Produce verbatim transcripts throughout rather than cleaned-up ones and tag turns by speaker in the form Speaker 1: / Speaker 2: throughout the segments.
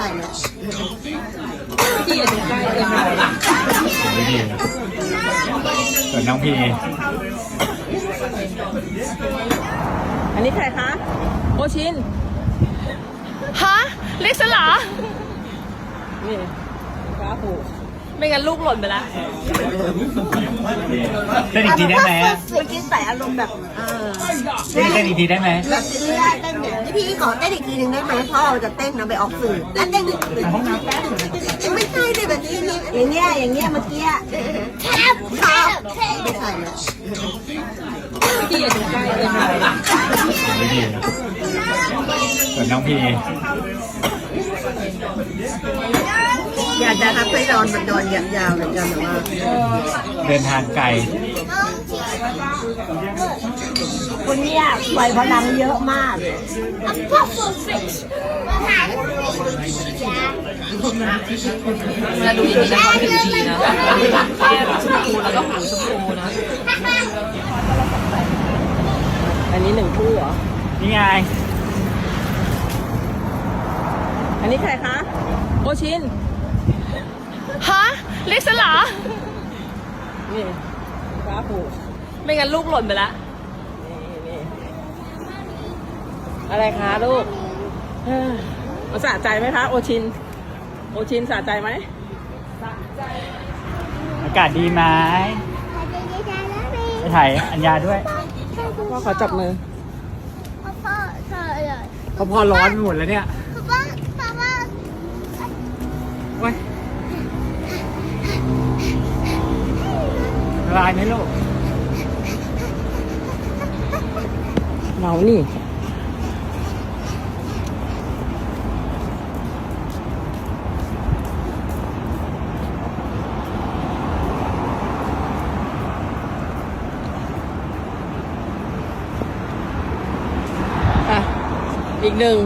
Speaker 1: ถ่ายเลย
Speaker 2: พี่อย่าดูใกล้เลยค่ะ
Speaker 3: ไม่ดีส่วนน้องพี
Speaker 2: อันนี้ใครคะโอชิน
Speaker 4: ฮะเรียกฉันเหรอ
Speaker 2: นี่ฟ้าผู
Speaker 4: ไม่งั้นลูกหล่นไปแล้ว
Speaker 3: เต้นอีกทีได้ไหม
Speaker 1: เมื่อกี้ใส่อารมณ์แบบเออ
Speaker 3: เต้นเต้นอีกทีได้ไหม
Speaker 1: แบบนี้ได้เต้นเนี่ยพี่ขอเต้นอีกทีหนึ่งได้ไหมเพราะเราจะเต้นนะไปออกสื่อแล้วเต้นอีกทีไม่ใช่เลยแบบนี้นี่อย่างเงี้ยอย่างเงี้ยเมื่อกี้แคบครับไม่ใช่เลย
Speaker 2: พี่อย่าดูใกล้เลยค่ะ
Speaker 3: ไม่ดีส่วนน้องพี
Speaker 1: อยากจะทำให้นอนมันนอนยาวๆเหมือนกันแต่ว่า
Speaker 3: เดินทางไกล
Speaker 1: คนเนี้ยปล่อยพลังเยอะมาก
Speaker 2: เวลาดูอย่างนี้นะเขาถึงดีนะแก้มชมพูแล้วก็หูชมพูนะอันนี้หนึ่งคู่เหรอ
Speaker 3: นี่ไง
Speaker 2: อันนี้ใครคะโอชิน
Speaker 4: ฮะเรียกฉันเหรอ
Speaker 2: นี่ฟ้าผู
Speaker 4: ไม่งั้นลูกหล่นไปแล้ว
Speaker 2: นี่นี่อะไรคะลูกเอ้อมันสะใจไหมคะโอชินโอชินสะใจไหม
Speaker 3: อากาศดีไหมไปถ่ายอัญญาด้วย
Speaker 2: พ่อขอจับมือ
Speaker 5: พ่อเธอเลย
Speaker 3: เขาพอร้อนไปหมดแล้วเนี่ย
Speaker 5: พ่อพ่อพ่อ
Speaker 3: โอ้ยละลายไหมลูก
Speaker 2: เรานี่อ่ะอีกหนึ่ง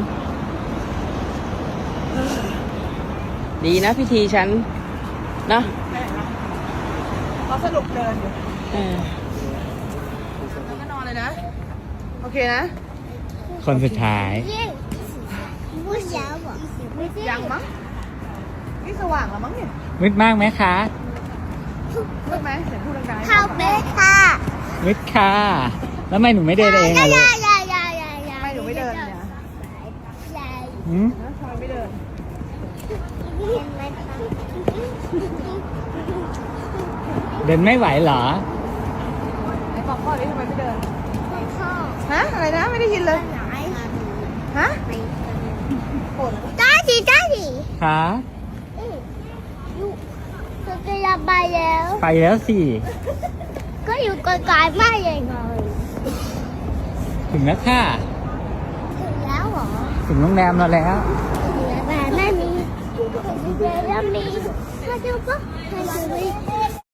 Speaker 2: ดีนะพิธีฉันนะ
Speaker 4: เขาสรุปเดินอยู่
Speaker 2: เออ
Speaker 4: แล้วก็นอนเลยนะ โอเคนะ
Speaker 3: คนสุดท้าย
Speaker 5: 不想我，
Speaker 4: ยังมั้งนี่สว่างแล้วมั้งเนี่ย
Speaker 3: มืดมากไหมคะ
Speaker 4: พูดไหมเสียงพูดดังๆ
Speaker 5: 靠背它，
Speaker 3: มืดค่ะ แล้วทำไมหนูไม่เดินเอง
Speaker 5: 呀
Speaker 3: อะลูก
Speaker 5: 呀呀呀呀呀！
Speaker 4: ไม่หนูไม่เดินเนี่ย
Speaker 5: 呀，
Speaker 3: หืม
Speaker 4: นะทำไมไม่เดิน
Speaker 3: เดินไม่ไหวเหรอ
Speaker 4: ไหนบอกพ่อดิทำไมไม่เดิน
Speaker 5: 靠
Speaker 4: ฮะ อะไรนะ ไม่ได้ยินเลย
Speaker 5: 哪里？
Speaker 4: ฮะ
Speaker 5: daddy daddy，
Speaker 3: คะ
Speaker 5: 嗯，哟，佢哋入ไปแล้ว
Speaker 3: ไปแล้วสิ
Speaker 5: ก็อยู่ไกลๆมากยังไง
Speaker 3: ถึงแล้วค่ะ
Speaker 5: ถึงแล้วเหรอ
Speaker 3: ถึงโรงแรมเราแล้ว
Speaker 5: ถึงแล้วแต่ไม่มีถึงแล้วมีถ้าจะก็ให้ดู